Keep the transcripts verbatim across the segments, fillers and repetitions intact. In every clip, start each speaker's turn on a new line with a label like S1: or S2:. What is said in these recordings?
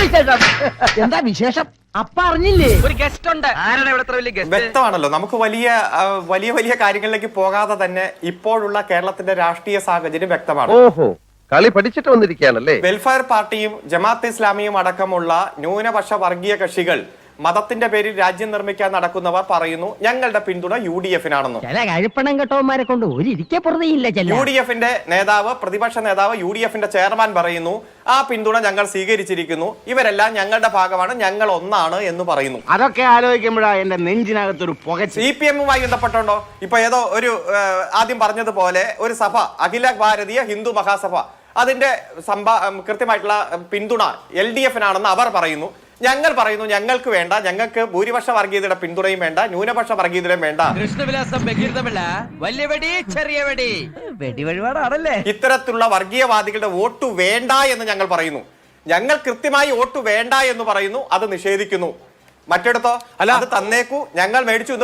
S1: എന്താ വിശേഷം? അപ്പ അറിഞ്ഞില്ലേ
S2: ഒരു ഗസ്റ്റ് ഉണ്ട്. ആരാണ് ഇവിടുത്തെ വലിയ ഗസ്റ്റ്?
S3: വ്യക്തമാണല്ലോ, നമുക്ക് വലിയ വലിയ വലിയ കാര്യങ്ങളിലേക്ക് പോകാതെ തന്നെ ഇപ്പോഴുള്ള കേരളത്തിന്റെ രാഷ്ട്രീയ സാഹചര്യം വ്യക്തമാണ്.
S4: ഓഹോ, കളി പഠിച്ചിട്ട് വന്നിരിക്കുകയാണല്ലേ.
S3: വെൽഫെയർ പാർട്ടിയും ജമാഅത്ത് ഇസ്ലാമിയും അടക്കമുള്ള ന്യൂനപക്ഷ വർഗീയ കക്ഷികൾ മതത്തിന്റെ പേരിൽ രാജ്യം നിർമ്മിക്കാൻ നടക്കുന്നവർ പറയുന്നു ഞങ്ങളുടെ പിന്തുണ യു ഡി എഫിനാണെന്ന്.
S1: ചില കഴിപ്പണം കെട്ടവന്മാരെ കൊണ്ട് ഒരു ഇരിക്കെ പുറതെയില്ല.
S3: യു ഡി എഫിന്റെ നേതാവ്, പ്രതിപക്ഷ നേതാവ്, യു ഡി എഫിന്റെ ചെയർമാൻ പറയുന്നു ആ പിന്തുണ ഞങ്ങൾ സ്വീകരിച്ചിരിക്കുന്നു, ഇവരെല്ലാം ഞങ്ങളുടെ ഭാഗമാണ്, ഞങ്ങൾ ഒന്നാണ് എന്ന് പറയുന്നു.
S5: അതൊക്കെ ആലോചിക്കുമ്പോഴാ എന്റെ നെഞ്ചിനകത്തൊരു പുക.
S3: സി പി എമ്മുമായി ബന്ധപ്പെട്ടുണ്ടോ? ഇപ്പൊ ഏതോ ഒരു ആദ്യം പറഞ്ഞതുപോലെ ഒരു സഭ, അഖില ഭാരതീയ ഹിന്ദു മഹാസഭ, അതിന്റെ സംഭാ കൃത്യമായിട്ടുള്ള പിന്തുണ എൽ ഡി എഫിനാണെന്ന് അവർ പറയുന്നു. ഞങ്ങൾ പറയുന്നു ഞങ്ങൾക്ക് വേണ്ട, ഞങ്ങൾക്ക് ഭൂരിപക്ഷ വർഗീയതയുടെ പിന്തുണയും വേണ്ട, ന്യൂനപക്ഷ വർഗീയതയും വേണ്ട.
S2: കൃഷ്ണവിലാസം ബഹിർദമല്ല, വലിയ വെടി ചെറിയ വെടി, വെടി വഴിപാടാണല്ലേ.
S3: ഇത്തരത്തിലുള്ള വർഗീയവാദികളുടെ വോട്ട് വേണ്ട എന്ന് ഞങ്ങൾ പറയുന്നു. ഞങ്ങൾ കൃത്യമായി വോട്ട് വേണ്ട എന്ന് പറയുന്നു, അത് നിഷേധിക്കുന്നു. മറ്റെടുത്തോ അല്ല, അത് തന്നേക്കൂ, ഞങ്ങൾ മേടിച്ചു.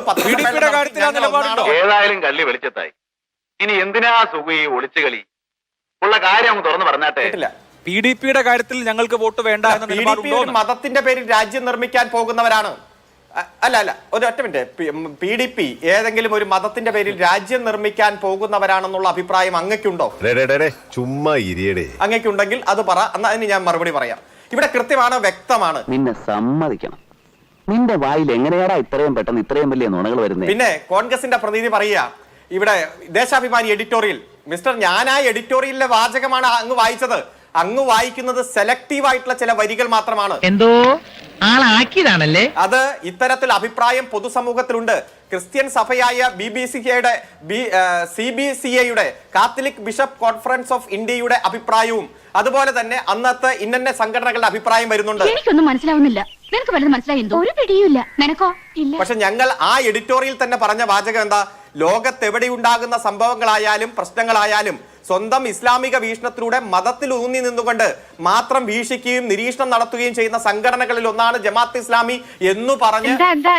S6: ഏതായാലും കള്ളി വെളിച്ചത്തായി. ഇനി എന്തിനാ സുഖി ഒളിച്ചു കളി? ഉള്ള കാര്യം തുറന്നു പറഞ്ഞാട്ടെ.
S7: പി ഡി പിയുടെ കാര്യത്തിൽ ഞങ്ങൾക്ക് വോട്ട് വേണ്ട എന്ന നിലപാടുണ്ടോ?
S3: മതത്തിന്റെ പേരിൽ രാജ്യം നിർമ്മിക്കാൻ പോകുന്നവരാണ്. അല്ല അല്ല ഒരു ഒറ്റ മിനിറ്റ്. പി ഡി പി ഏതെങ്കിലും ഒരു മതത്തിന്റെ പേരിൽ രാജ്യം നിർമ്മിക്കാൻ പോകുന്നവരാണെന്നുള്ള അഭിപ്രായം അങ്ങക്കുണ്ടോ?
S4: ചുമ്മാ
S3: അങ്ങക്കുണ്ടെങ്കിൽ അത് പറ, എന്നാ അതിന് ഞാൻ മറുപടി പറയാം. ഇവിടെ കൃത്യമാണ്, വ്യക്തമാണ്.
S8: നിന്നെ സമ്മതിക്കണം, നിന്റെ വായിൽ എങ്ങനെയാടാ ഇത്രയും പെട്ടെന്ന് ഇത്രയും വലിയ നുണകൾ വരുന്നത്?
S3: പിന്നെ കോൺഗ്രസിന്റെ പ്രതിനിധി പറയുക, ഇവിടെ ദേശാഭിമാനി എഡിറ്റോറിയൽ, മിസ്റ്റർ ഞാൻ ആ എഡിറ്റോറിയലിലെ വാചകമാണ് അങ്ങ് വായിച്ചത്. അങ്ങ് വായിക്കുന്നത് സെലക്റ്റീവ് ആയിട്ടുള്ള ചില വരികൾ മാത്രമാണ്.
S1: എന്തോ ആളാക്കിയതാണല്ലേ
S3: അത്. ഇത്തരത്തിൽ അഭിപ്രായം പൊതുസമൂഹത്തിലുണ്ട്. ക്രിസ്ത്യൻ സഭയായ ബി ബി സി എയുടെ സി ബി സി എയുടെ കാത്തലിക് ബിഷപ്പ് കോൺഫറൻസ് ഓഫ് ഇന്ത്യയുടെ അഭിപ്രായവും അതുപോലെ തന്നെ അന്നത്തെ ഇന്ന സംഘടനകളുടെ അഭിപ്രായം വരുന്നുണ്ട്.
S9: എനിക്കൊന്നും മനസ്സിലാവുന്നില്ല. നിനക്ക് വല്ലതും മനസ്സിലായി? ഒരു പിടിയുമില്ല. നിനക്കോ? ഇല്ല.
S3: പക്ഷെ ഞങ്ങൾ ആ എഡിറ്റോറിയൽ തന്നെ പറഞ്ഞ വാചകം എന്താ? ലോകത്തെവിടെയുണ്ടാകുന്ന സംഭവങ്ങളായാലും പ്രശ്നങ്ങളായാലും സ്വന്തം ഇസ്ലാമിക വീക്ഷണത്തിലൂടെ മതത്തിൽ ഊന്നി നിന്നുകൊണ്ട് മാത്രം വീക്ഷിക്കുകയും നിരീക്ഷണം നടത്തുകയും ചെയ്യുന്ന സംഘടനകളിൽ ഒന്നാണ് ജമാഅത്ത് ഇസ്ലാമി എന്ന് പറഞ്ഞ്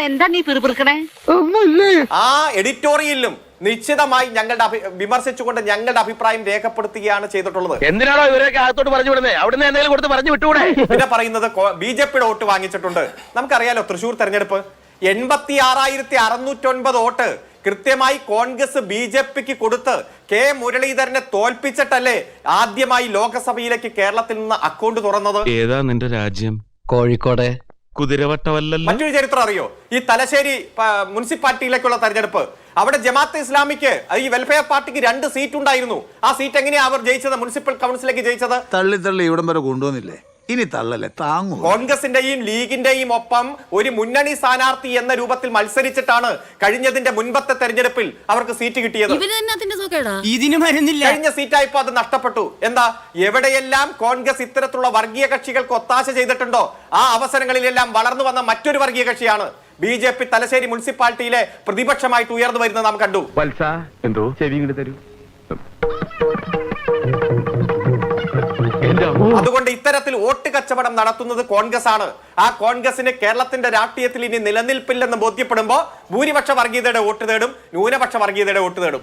S3: ആ എഡിറ്റോറിയലിലും നിശ്ചിതമായി ഞങ്ങളുടെ വിമർശിച്ചുകൊണ്ട് ഞങ്ങളുടെ അഭിപ്രായം രേഖപ്പെടുത്തുകയാണ് ചെയ്തിട്ടുള്ളത്.
S2: എന്തിനാണോ ഇവരൊക്കെ അകത്തോട്ട് പറഞ്ഞു വിടുന്നത്? അവിടുന്ന് എന്തെങ്കിലും കൊടുത്ത് പറഞ്ഞു വിട്ടുകൂടെ?
S3: പിന്നെ പറയുന്നത് ബി ജെ പിയുടെ വോട്ട് വാങ്ങിച്ചിട്ടുണ്ട്. നമുക്കറിയാലോ, തൃശൂർ തെരഞ്ഞെടുപ്പ് എൺപത്തി ആറായിരത്തി അറുന്നൂറ്റൊൻപത് വോട്ട് കൃത്യമായി കോൺഗ്രസ് ബി ജെ പിക്ക് കൊടുത്ത് കെ മുരളീധരനെ തോൽപ്പിച്ചിട്ടല്ലേ ആദ്യമായി ലോകസഭയിലേക്ക് കേരളത്തിൽ നിന്ന് അക്കൗണ്ട് തുറന്നത്.
S10: ഏതാ നിന്റെ രാജ്യം?
S8: കോഴിക്കോട്
S10: കുതിരവട്ടമല്ലല്ലോ.
S3: മറ്റൊരു ചരിത്രം അറിയോ? ഈ തലശ്ശേരി മുനിസിപ്പാലിറ്റിയിലേക്കുള്ള തെരഞ്ഞെടുപ്പ്, അവിടെ ജമാഅത്ത് ഇസ്ലാമിക്ക് ഈ വെൽഫെയർ പാർട്ടിക്ക് രണ്ട് സീറ്റ് ഉണ്ടായിരുന്നു. ആ സീറ്റ് എങ്ങനെയാ അവർ ജയിച്ചത്? മുനിസിപ്പൽ കൗൺസിലേക്ക് ജയിച്ചത്.
S5: തള്ളി തള്ളി ഇവിടം വരെ കൊണ്ടുവന്നില്ലേ? ഇനി തള്ളല്ലേ, താങ്ങൂ.
S3: കോൺഗ്രസിന്റെയും ലീഗിന്റെയും ഒപ്പം ഒരു മുന്നണി സ്ഥാനാർത്ഥി എന്ന രൂപത്തിൽ മത്സരിച്ചിട്ടാണ് കഴിഞ്ഞതിന്റെ മുൻപത്തെ തെരഞ്ഞെടുപ്പിൽ അവർക്ക് സീറ്റ് കിട്ടിയത്. കഴിഞ്ഞ സീറ്റായപ്പോ അത് നഷ്ടപ്പെട്ടു. എന്താ? എവിടെയെല്ലാം കോൺഗ്രസ് ഇത്തരത്തിലുള്ള വർഗീയ കക്ഷികൾക്ക് ഒത്താശ ചെയ്തിട്ടുണ്ടോ ആ അവസരങ്ങളിലെല്ലാം വളർന്നു വന്ന മറ്റൊരു വർഗീയ കക്ഷിയാണ് ബി ജെ പി. തലശ്ശേരി മുനിസിപ്പാലിറ്റിയിലെ പ്രതിപക്ഷമായിട്ട് ഉയർന്നു വരുന്നത് നാം കണ്ടു.
S4: എന്തോ ചെവി ഇങ്ങോട്ട് തരൂ.
S3: അതുകൊണ്ട് ഇത്തരത്തിൽ വോട്ട് കച്ചവടം നടത്തുന്നത് കോൺഗ്രസ് ആണ്. ആ കോൺഗ്രസിന് കേരളത്തിന്റെ രാഷ്ട്രീയത്തിൽ ഇനി നിലനിൽപ്പില്ലെന്ന് ബോധ്യപ്പെടുമ്പോ ഭൂരിപക്ഷ വർഗീയതയുടെ വോട്ട് തേടും, ന്യൂനപക്ഷ വർഗീയതയുടെ വോട്ട് തേടും.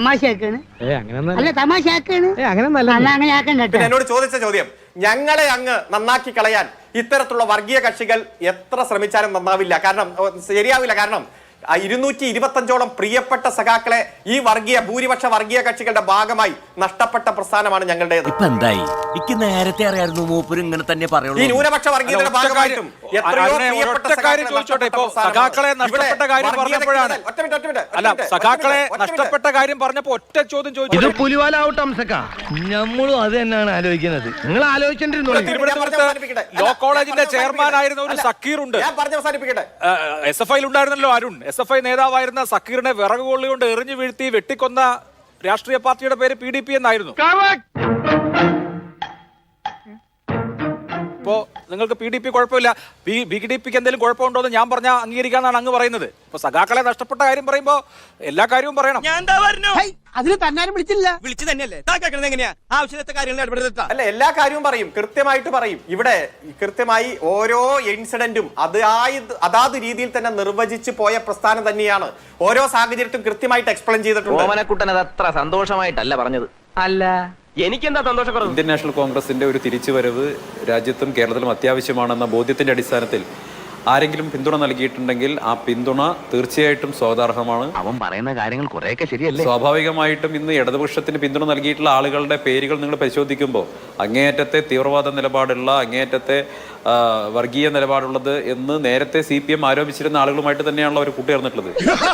S3: എന്നോട് ചോദിച്ച ചോദ്യം, ഞങ്ങളെ അങ്ങ് നന്നാക്കി കളയാൻ ഇത്തരത്തിലുള്ള വർഗീയ കക്ഷികൾ എത്ര ശ്രമിച്ചാലും നന്നാവില്ല. കാരണം ശരിയാവില്ല. കാരണം ഇരുന്നൂറ്റി ഇരുപത്തി അഞ്ചോളം പ്രിയപ്പെട്ട സഖാക്കളെ ഈ വർഗീയ ഭൂരിപക്ഷ വർഗീയ കക്ഷികളുടെ ഭാഗമായി നഷ്ടപ്പെട്ട പ്രസ്ഥാനമാണ് ഞങ്ങളുടേത്.
S2: നേരത്തെ അറിയായിരുന്നു മൂപ്പര് ഇങ്ങനെ തന്നെ പറയുള്ളൂ.
S3: ഈ ന്യൂനപക്ഷ വർഗീയതയുടെ ഭാഗമായിട്ടും എത്രയോ പ്രിയപ്പെട്ട
S7: സഖാക്കളെ നഷ്ടപ്പെട്ട കാര്യം പറഞ്ഞപ്പോഴാണ് അല്ല സഖാക്കളെ നഷ്ടപ്പെട്ട കാര്യം പറഞ്ഞപ്പോ ഒറ്റ ചോദ്യം ചോദിച്ചു.
S1: ഇത് പുലിവാലാവട്ടെ സഖാ, നമ്മളും അത് തന്നെയാണ് ആലോചിക്കുന്നത്. നിങ്ങൾ ആലോചിച്ചിട്ടിരുന്നു.
S7: തിരുവനന്തപുരത്ത് ലോ കോളേജിന്റെ ചെയർമാൻ ആയിരുന്ന ഒരു സക്കീർ ഉണ്ട്.
S3: ഞാൻ പറഞ്ഞ് അവസാനിപ്പിക്കട്ടെ.
S7: എസ് എഫ് ഐയിൽ ഉണ്ടായിരുന്നല്ലോ അരുൺ. എസ് എഫ് ഐ നേതാവായിരുന്ന സക്കീറിനെ വിറക് കൊള്ളി കൊണ്ട് എറിഞ്ഞു വീഴ്ത്തി വെട്ടിക്കൊന്ന രാഷ്ട്രീയ പാർട്ടിയുടെ പേര് പി ഡി പി എന്നായിരുന്നു. ഇപ്പോ നിങ്ങൾക്ക് പി ഡി പി കുഴപ്പമില്ല, ബി ഡി പിക്ക് എന്തെങ്കിലും കുഴപ്പമുണ്ടോ എന്ന് ഞാൻ പറഞ്ഞാൽ അംഗീകരിക്കാന്നാണ് അങ്ങ് പറയുന്നത്. ഇപ്പൊ സഖാക്കളെ നഷ്ടപ്പെട്ട കാര്യം പറയുമ്പോ എല്ലാ കാര്യവും പറയണം.
S1: അതിന് തന്നാരും വിളിച്ചില്ല.
S2: വിളിച്ചു തന്നെയല്ലേ എങ്ങനെയാ ആവശ്യത്തെ കാര്യങ്ങൾ
S3: അല്ല, എല്ലാ കാര്യവും പറയും, കൃത്യമായിട്ട് പറയും. ഇവിടെ കൃത്യമായി ഓരോ ഇൻസിഡന്റും അതായത് അതാത് രീതിയിൽ തന്നെ നിർവചിച്ചു പോയ പ്രസ്ഥാനം തന്നെയാണ്. ഓരോ സാഹചര്യത്തും കൃത്യമായിട്ട് എക്സ്പ്ലെയിൻ ചെയ്തിട്ടുണ്ട്.
S8: ഓമനക്കുട്ടൻ അത് അത്ര സന്തോഷമായിട്ടല്ല പറഞ്ഞത്.
S1: അല്ല,
S8: എനിക്കെന്താ സന്തോഷക്കുറവ്?
S7: ഇന്ത്യൻ നാഷണൽ കോൺഗ്രസിന്റെ ഒരു തിരിച്ചുവരവ് രാജ്യത്തും കേരളത്തിലും അത്യാവശ്യമാണെന്ന ബോധ്യത്തിന്റെ അടിസ്ഥാനത്തിൽ ആരെങ്കിലും പിന്തുണ നൽകിയിട്ടുണ്ടെങ്കിൽ ആ പിന്തുണ തീർച്ചയായിട്ടും സ്വാഗതാർഹമാണ്.
S8: അവൻ പറയുന്ന കാര്യങ്ങൾ കുറെയൊക്കെ ശരിയല്ലേ?
S7: സ്വാഭാവികമായിട്ടും ഇന്ന് ഇടതുപക്ഷത്തിന് പിന്തുണ നൽകിയിട്ടുള്ള ആളുകളുടെ പേരുകൾ നിങ്ങൾ പരിശോധിക്കുമ്പോൾ അങ്ങേയറ്റത്തെ തീവ്രവാദ നിലപാടുള്ള, അങ്ങേയറ്റത്തെ വർഗീയ നിലപാടുള്ളത് എന്ന് നേരത്തെ സി പി എം ആരോപിച്ചിരുന്ന ആളുകളുമായിട്ട് തന്നെയാണല്ലോ അവർ കൂട്ടുചേർന്നിട്ടുള്ളത്.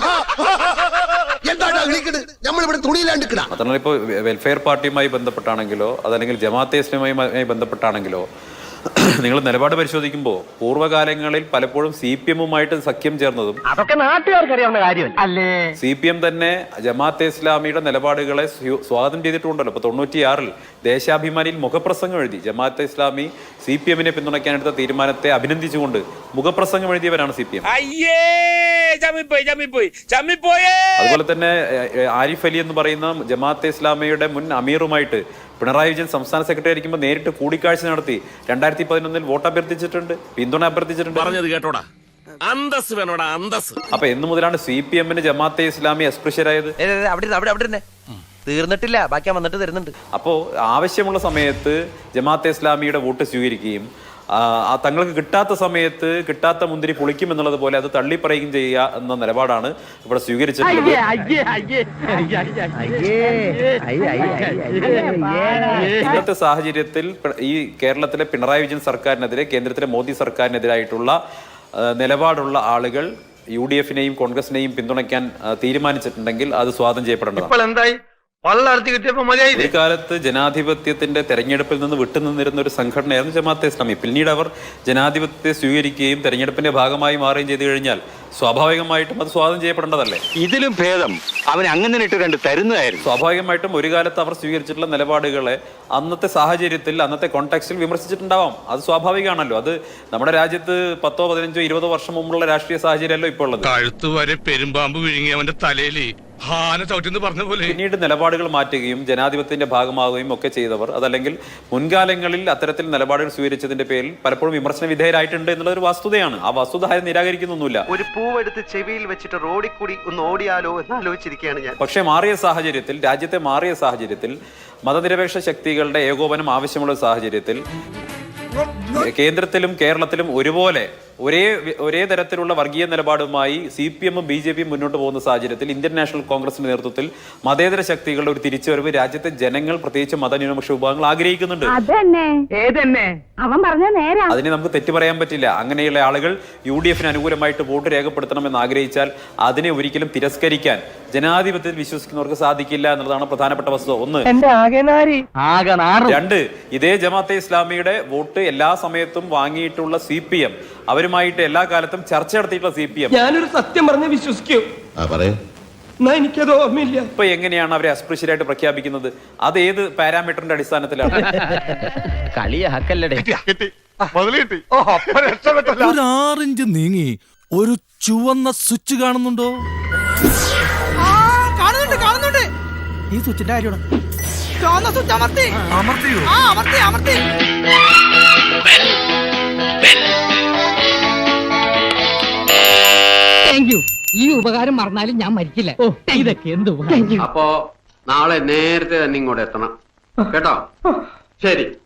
S7: മാത്രമല്ല ഇപ്പോൾ വെൽഫെയർ പാർട്ടിയുമായി ബന്ധപ്പെട്ടാണെങ്കിലോ അതല്ലെങ്കിൽ ജമാഅത്തെ ഇസ്ലാമിയുമായി ബന്ധപ്പെട്ടാണെങ്കിലോ നിങ്ങൾ നിലപാട് പരിശോധിക്കുമ്പോൾ പൂർവ്വകാലങ്ങളിൽ പലപ്പോഴും സി പി എമ്മുമായിട്ട് സഖ്യം ചേർന്നതും
S8: അതൊക്കെ നാട്ടുകാർക്ക് അറിയാവുന്ന കാര്യമല്ല അല്ലേ?
S7: സി പി എം തന്നെ ജമാഅത്തെ ഇസ്ലാമിയുടെ നിലപാടുകളെ സ്വാഗതം ചെയ്തിട്ടുണ്ടല്ലോ. ഇപ്പൊ തൊണ്ണൂറ്റിയാറിൽ ദേശാഭിമാനിയിൽ മുഖപ്രസംഗം എഴുതി ജമാഅത്തെ ഇസ്ലാമി സി പി എമ്മിനെ പിന്തുണയ്ക്കാനെടുത്ത തീരുമാനത്തെ അഭിനന്ദിച്ചുകൊണ്ട് മുഖപ്രസംഗം എഴുതിയവരാണ് സി പി എം. അതുപോലെ തന്നെ ആരിഫ് അലി എന്ന് പറയുന്ന ജമാഅത്തെ ഇസ്ലാമിയുടെ മുൻ അമീറുമായിട്ട് പിണറായി വിജയൻ സംസ്ഥാന സെക്രട്ടറി ആയിരിക്കുമ്പോൾ നേരിട്ട് കൂടിക്കാഴ്ച നടത്തി രണ്ടായിരത്തി പതിനൊന്നിൽ വോട്ട് അഭ്യർത്ഥിച്ചിട്ടുണ്ട്, പിന്തുണ അഭ്യർത്ഥിച്ചിട്ടുണ്ട്.
S1: പറഞ്ഞത് കേട്ടോടാ, അന്തസ് വേണോടാ, അന്തസ്.
S7: അപ്പൊ എന്ന് മുതലാണ് സി പി എമ്മിന് ജമാഅത്തെ ഇസ്ലാമി അസ്പൃശ്യരായത്?
S2: അവിടെ അവിടെ അവിടെ തീർന്നിട്ടില്ല, ബാക്കി വന്നിട്ട് തരുന്നുണ്ട്.
S7: അപ്പോൾ ആവശ്യമുള്ള സമയത്ത് ജമാഅത്തെ ഇസ്ലാമിയുടെ വോട്ട് സ്വീകരിക്കുകയും തങ്ങൾക്ക് കിട്ടാത്ത സമയത്ത് കിട്ടാത്ത മുന്തിരി പൊളിക്കുമെന്നുള്ളത് പോലെ അത് തള്ളിപ്പറയുകയും ചെയ്യുക എന്ന നിലപാടാണ് ഇവിടെ സ്വീകരിച്ചിട്ടുള്ളത്. ഇന്നത്തെ സാഹചര്യത്തിൽ ഈ കേരളത്തിലെ പിണറായി വിജയൻ സർക്കാരിനെതിരെ, കേന്ദ്രത്തിലെ മോദി സർക്കാരിനെതിരായിട്ടുള്ള നിലപാടുള്ള ആളുകൾ യു ഡി എഫിനെയും കോൺഗ്രസിനെയും പിന്തുണയ്ക്കാൻ തീരുമാനിച്ചിട്ടുണ്ടെങ്കിൽ അത് സ്വാഗതം ചെയ്യപ്പെടേണ്ടതാണ്. ഒരു കാലത്ത് ജനാധിപത്യത്തിന്റെ തെരഞ്ഞെടുപ്പിൽ നിന്ന് വിട്ടുനിന്നിരുന്ന ഒരു സംഘടനയായിരുന്നു ജമാഅത്തെ ഇസ്ലാമി. പിന്നീട് അവർ ജനാധിപത്യത്തെ സ്വീകരിക്കുകയും തെരഞ്ഞെടുപ്പിന്റെ ഭാഗമായി മാറുകയും ചെയ്തു കഴിഞ്ഞാൽ സ്വാഭാവികമായിട്ടും അത് സ്വാഗതം ചെയ്യപ്പെടേണ്ടതല്ലേ?
S8: ഇതിലും ഭേദം അവൻ അങ്ങനെ ഇട്ട് കണ്ട് തരുന്നതായിരുന്നു.
S7: സ്വാഭാവികമായിട്ടും ഒരു കാലത്ത് അവർ സ്വീകരിച്ചിട്ടുള്ള നിലപാടുകളെ അന്നത്തെ സാഹചര്യത്തിൽ, അന്നത്തെ കോൺടാക്സ്റ്റിൽ വിമർശിച്ചിട്ടുണ്ടാവാം. അത് സ്വാഭാവികമാണല്ലോ. അത് നമ്മുടെ രാജ്യത്ത് പത്തോ പതിനഞ്ചോ ഇരുപതോ വർഷം മുമ്പുള്ള രാഷ്ട്രീയ സാഹചര്യമല്ലോ ഇപ്പോൾ ഉള്ളത്.
S10: കഴുത്ത് വരെ പെരുമ്പാമ്പ് വിഴുങ്ങി അവന്റെ തലയില് പറഞ്ഞ പോലെ
S7: പിന്നീട് നിലപാടുകൾ മാറ്റുകയും ജനാധിപത്യത്തിന്റെ ഭാഗമാവുകയും ഒക്കെ ചെയ്തവർ, അതല്ലെങ്കിൽ മുൻകാലങ്ങളിൽ അത്തരത്തിൽ നിലപാടുകൾ സ്വീകരിച്ചതിന്റെ പേരിൽ പലപ്പോഴും വിമർശന വിധേയരായിട്ടുണ്ട് എന്നുള്ള ഒരു വസ്തുതയാണ്. ആ വസ്തുത ആരും നിരാകരിക്കുന്നൊന്നുമില്ല.
S11: ഒരു പൂവെടുത്ത് ചെവിയിൽ വെച്ചിട്ട് റോഡിൽ കൂടി ഒന്ന് ഓടിയാലോ എന്ന് ആലോചിച്ചിരിക്കുകയാണ് ഞാൻ.
S7: പക്ഷേ മാറിയ സാഹചര്യത്തിൽ, രാജ്യത്തെ മാറിയ സാഹചര്യത്തിൽ, മതനിരപേക്ഷ ശക്തികളുടെ ഏകോപനം ആവശ്യമുള്ള സാഹചര്യത്തിൽ കേന്ദ്രത്തിലും കേരളത്തിലും ഒരുപോലെ ഒരേ ഒരേ തരത്തിലുള്ള വർഗീയ നിലപാടുമായി സി പി എമ്മും ബി ജെ പിയും മുന്നോട്ട് പോകുന്ന സാഹചര്യത്തിൽ ഇന്ത്യൻ നാഷണൽ കോൺഗ്രസിന്റെ നേതൃത്വത്തിൽ മതേതര ശക്തികളുടെ ഒരു തിരിച്ചുവരവ് രാജ്യത്തെ ജനങ്ങൾ, പ്രത്യേകിച്ച് മതന്യൂനപക്ഷ വിഭാഗങ്ങൾ ആഗ്രഹിക്കുന്നുണ്ട്. അതിനെ നമുക്ക് തെറ്റു പറയാൻ പറ്റില്ല. അങ്ങനെയുള്ള ആളുകൾ യു ഡി എഫിന് അനുകൂലമായിട്ട് വോട്ട് രേഖപ്പെടുത്തണമെന്ന് ആഗ്രഹിച്ചാൽ അതിനെ ഒരിക്കലും തിരസ്കരിക്കാൻ ജനാധിപത്യത്തിൽ വിശ്വസിക്കുന്നവർക്ക് സാധിക്കില്ല എന്നുള്ളതാണ് പ്രധാനപ്പെട്ട വസ്തുത. ഒന്ന്. രണ്ട്, ഇതേ ജമാഅത്തെ ഇസ്ലാമിയുടെ വോട്ട് എല്ലാ സമയത്തും വാങ്ങിയിട്ടുള്ള സി പി എം, അവരുമായിട്ട് എല്ലാ കാലത്തും ചർച്ച നടത്തിയിട്ടുള്ള സി പി എം,
S1: ഞാനൊരു സത്യം പറഞ്ഞ് വിശ്വസിക്കൂ, എനിക്കത് ഓർമ്മയില്ല.
S7: ഇപ്പൊ എങ്ങനെയാണ് അവരെ അസ്പൃശ്യരായിട്ട് പ്രഖ്യാപിക്കുന്നത്? അത് ഏത് പാരാമീറ്ററിന്റെ അടിസ്ഥാനത്തിലാണ്?
S10: ഒരു ആറിഞ്ച് നീങ്ങി ഒരു ചുവന്ന സ്വിച്ച് കാണുന്നുണ്ടോ?
S2: കാണുന്നുണ്ട് കാണുന്നുണ്ട്
S10: ഈ സ്വിച്ചിന്റെ കാര്യമാണ്.
S2: അമർത്തിയോ? അമർത്തി അമർത്തി
S12: ഈ ഉപകാരം മറന്നാലും ഞാൻ മരിക്കില്ല. ഇതൊക്കെ എന്ത്
S11: അപ്പോ നാളെ നേരത്തെ തന്നെ ഇങ്ങോട്ട് എത്തണം കേട്ടോ? ശരി.